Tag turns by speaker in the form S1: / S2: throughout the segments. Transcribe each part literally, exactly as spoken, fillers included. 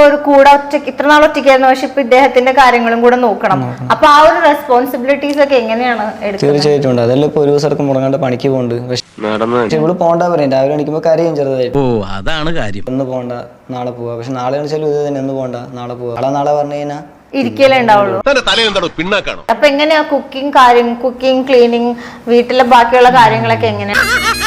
S1: ഒരു കൂടെ ഒറ്റയ്ക്ക് ഇത്ര നാൾ ഒറ്റയ്ക്കായിരുന്നു, പക്ഷെ ഇപ്പൊ ഇദ്ദേഹത്തിന്റെ കാര്യങ്ങളും കൂടെ നോക്കണം. അപ്പൊ ആ ഒരു റെസ്പോൺസിബിലിറ്റീസ് ഒക്കെ എങ്ങനെയാണ് എടുക്കുന്നത്?
S2: തീർച്ചയായിട്ടും ഉണ്ട്. അതല്ല ഇപ്പൊ ഒരു ദിവസം മുടങ്ങാണ്ട് പണിക്ക് പോകുന്നുണ്ട്. പക്ഷെ ഇവള് പോകണ്ട പറയും. രാവിലെ എണീക്കുമ്പോ കരയും ചെറുതായിട്ട്.
S3: ഓ അതാണ് കാര്യം.
S2: ഒന്ന് പോകണ്ട നാളെ പോവാ. പക്ഷെ നാളെ വെച്ചാലും ഇത് തന്നെ, ഒന്ന് പോകണ്ട നാളെ പോവാ. നാളെ നാളെ പറഞ്ഞു കഴിഞ്ഞാൽ
S1: ഇരിക്കലേ ഉണ്ടാവുള്ളൂ. അപ്പൊ എങ്ങനെയാ കുക്കിംഗ് കാര്യം, കുക്കിംഗ്, ക്ലീനിങ്, വീട്ടിലെ ബാക്കിയുള്ള കാര്യങ്ങളൊക്കെ എങ്ങനെയാ?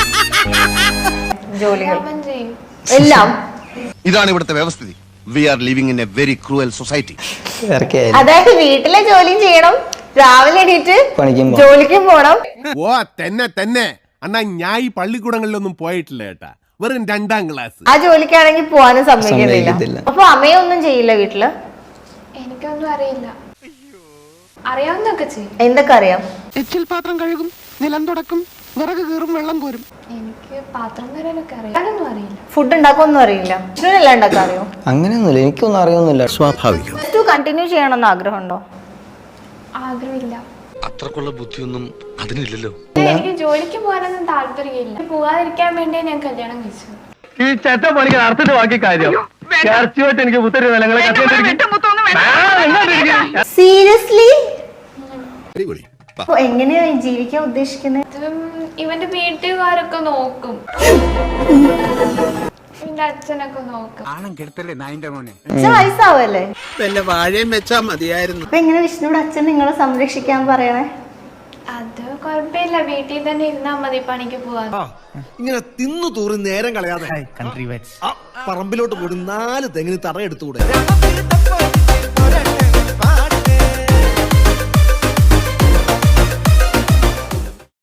S1: ജോലികൾ എല്ലാം
S4: ഇതാണ് ഇവിടുത്തെ വ്യവസ്ഥിതി. We are living in a very cruel society.
S1: അതായത് വീട്ടിലെ ജോലിയും ചെയ്യണം, രാവിലെ എണീറ്റ് ജോലിക്കും പോണം.
S5: ഓ തന്നെ തന്നെ അണ്ണാ, ഞാൻ ഈ പള്ളിക്കൂടങ്ങളിലൊന്നും പോയിട്ടില്ല കേട്ടാ, വെറും രണ്ടാം ക്ലാസ്.
S1: ആ ജോലിക്കാണെങ്കിൽ പോവാനും സമ്മതിക്കുന്നില്ല. അപ്പൊ അമ്മയൊന്നും ചെയ്യില്ല വീട്ടില്?
S6: എനിക്കൊന്നും അറിയില്ല. അറിയാവുന്നൊക്കെ ചെയ്യും.
S1: എന്തൊക്കെ അറിയാം?
S7: എച്ചിൽ പാത്രം കഴുകും, നിലം തുടക്കും, വിറക് കീറും, വെള്ളം കോരും.
S6: എനിക്ക് പാത്രം വരാനൊക്കെ അറിയാനൊന്നും അറിയില്ല.
S1: ഫുഡ് ഉണ്ടാക്കൊന്നും അറിയില്ല. എല്ലാം ഉണ്ടാക്കാൻ അറിയോ?
S2: അങ്ങനെയൊന്നുമില്ല, എനിക്കൊന്നും അറിയൊന്നുമില്ല.
S3: സ്വാഭാവികം.
S1: കണ്ടിന്യൂ ചെയ്യണമെന്ന് ആഗ്രഹമുണ്ടോ?
S6: ആഗ്രഹമില്ല.
S3: അത്രക്കുള്ള ബുദ്ധിയൊന്നും അതിനില്ലല്ലോ.
S6: എനിക്ക് ജോലിക്ക് പോകാനൊന്നും താല്പര്യമില്ല. പോകാതിരിക്കാൻ വേണ്ടി ഞാൻ കല്യാണം കഴിച്ചു.
S8: ഈ ചട്ട പണിക്ക് നടത്തിട്ട് ബാക്കി കാര്യം എനിക്ക്
S1: സീരിയസ്ലി എങ്ങനെയാ ജീവിക്കാൻ ഉദ്ദേശിക്കുന്നത്?
S6: ഇവന്റെ വീട്ടുകാരൊക്കെ നോക്കും, എന്റെ അച്ഛനൊക്കെ നോക്കും.
S1: അച്ഛൻ വയസ്സാവല്ലേ?
S7: വാഴയും വെച്ചാ മതിയായിരുന്നു.
S1: അപ്പൊ എങ്ങനെ വിഷ്ണുവിടെ അച്ഛൻ നിങ്ങളെ സംരക്ഷിക്കാൻ പറയണേ?
S6: അത് കുഴപ്പമില്ല, വീട്ടിൽ തന്നെ ഇരുന്നാ മതി, പണിക്ക് പോവാൻ.
S4: ഇങ്ങനെ തിന്നു തൂറി നേരം കളയാതെ പറമ്പിലോട്ട് പോയി നാല് തെങ്ങിന് തറയെടുത്തുകൂടെ?